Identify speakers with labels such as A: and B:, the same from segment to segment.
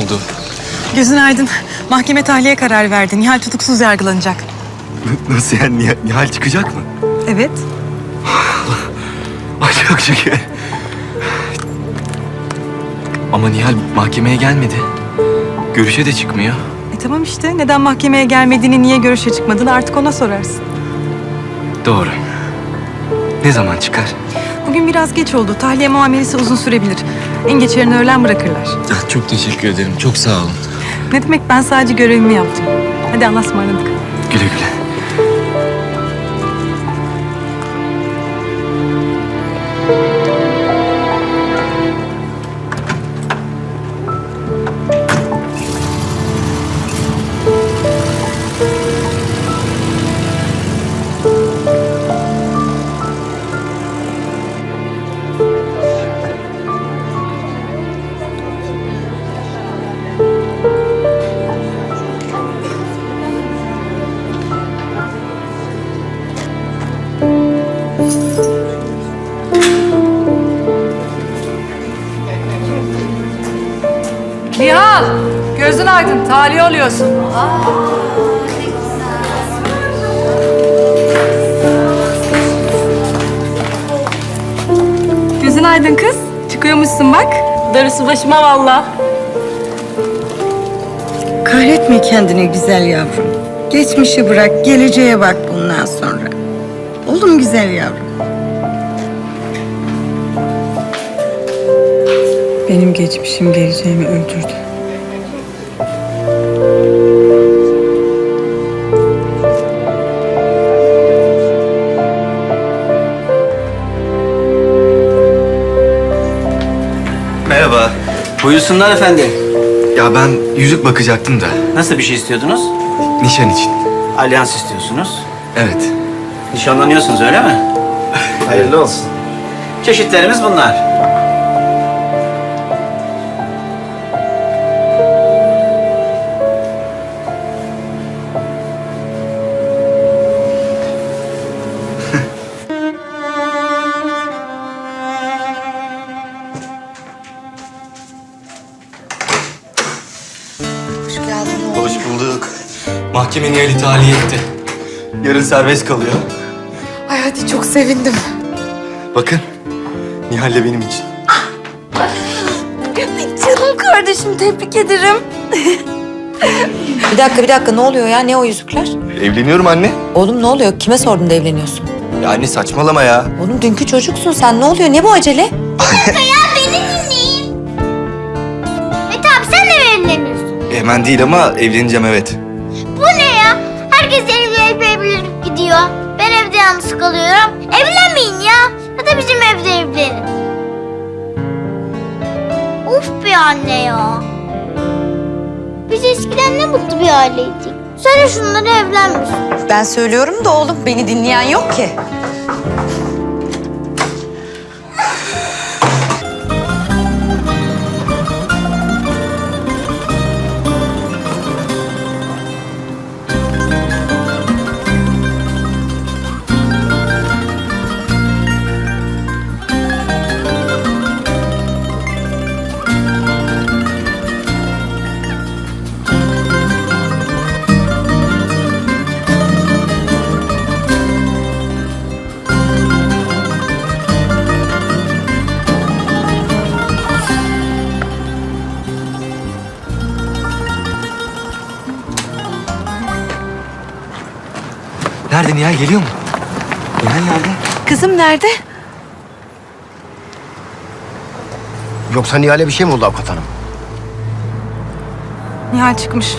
A: oldu?
B: Gözün aydın. Mahkeme tahliye kararı verdi. Nihal tutuksuz yargılanacak.
A: Nasıl yani? Nihal çıkacak mı?
B: Evet.
A: Ay çok şükür. Ama Nihal mahkemeye gelmedi. Görüşe de çıkmıyor.
B: Tamam işte. Neden mahkemeye gelmediğini, niye görüşe çıkmadığını artık ona sorarsın.
A: Doğru. Ne zaman çıkar?
B: Bugün biraz geç oldu. Tahliye muamelesi uzun sürebilir. En geç yarın öğlen bırakırlar.
A: Çok teşekkür ederim. Çok sağ olun.
B: Ne demek, ben sadece görevimi yaptım. Hadi Allah'a ısmarladık.
A: Güle güle.
C: Nihal, gözün aydın, tahliye oluyorsun.
B: Gözün aydın kız. Çıkıyormuşsun bak. Darısı başıma vallahi.
D: Kahretme kendini güzel yavrum. Geçmişi bırak, geleceğe bak bundan sonra. Oğlum güzel yavrum.
B: Benim geçmişim geleceğimi öldürdü.
A: Merhaba.
E: Buyursunlar efendim.
A: Ya ben yüzük bakacaktım da.
E: Nasıl bir şey istiyordunuz?
A: Nişan için.
E: Alyans istiyorsunuz.
A: Evet.
E: Nişanlanıyorsunuz öyle mi? Hayırlı olsun. Çeşitlerimiz bunlar.
A: Hoş bulduk. Mahkeme Nihal'i tahliye etti. Yarın serbest kalıyor.
F: Ay hadi, çok sevindim.
A: Bakın. Nihal de benim için.
F: Canım kardeşim, tebrik ederim. Bir dakika ne oluyor ya? Ne o yüzükler?
A: Evleniyorum anne.
F: Oğlum ne oluyor? Kime sordun da evleniyorsun?
A: Ya anne saçmalama ya.
F: Oğlum dünkü çocuksun sen. Ne oluyor? Ne bu acele?
G: Mete abi sen de mi evleniyorsun?
A: Hemen değil ama evleneceğim evet.
G: Bu ne ya? Herkes evlenip gidiyor. Ben evde yalnız kalıyorum. Evlenmeyin ya. Ya da bizim evde evlenin. Of be anne ya. Biz eskiden ne mutlu bir aileydik. Sen de şunları evlenmişsin.
F: Ben söylüyorum da oğlum, beni dinleyen yok ki.
A: Nerede Nihal geliyor mu? Nihal nerede?
F: Kızım nerede?
H: Yoksa Nihal'e bir şey mi oldu avukat hanım?
B: Nihal çıkmış.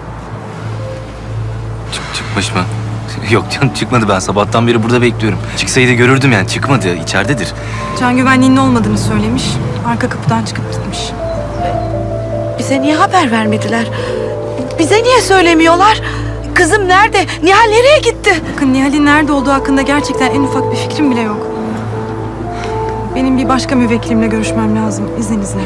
A: Çıkmış mı? Yok canım çıkmadı, ben sabahtan beri burada bekliyorum. Çıksaydı görürdüm yani, çıkmadı, içeridedir.
B: Can güvenliğinin olmadığını söylemiş. Arka kapıdan çıkıp gitmiş.
F: Bize niye haber vermediler? Bize niye söylemiyorlar? Kızım nerede? Nihal nereye gitti?
B: Bakın, Nihal'in nerede olduğu hakkında gerçekten en ufak bir fikrim bile yok. Benim bir başka müvekkilimle görüşmem lazım, izninizle.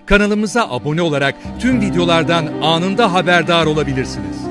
I: Kanalımıza abone olarak tüm videolardan anında haberdar olabilirsiniz.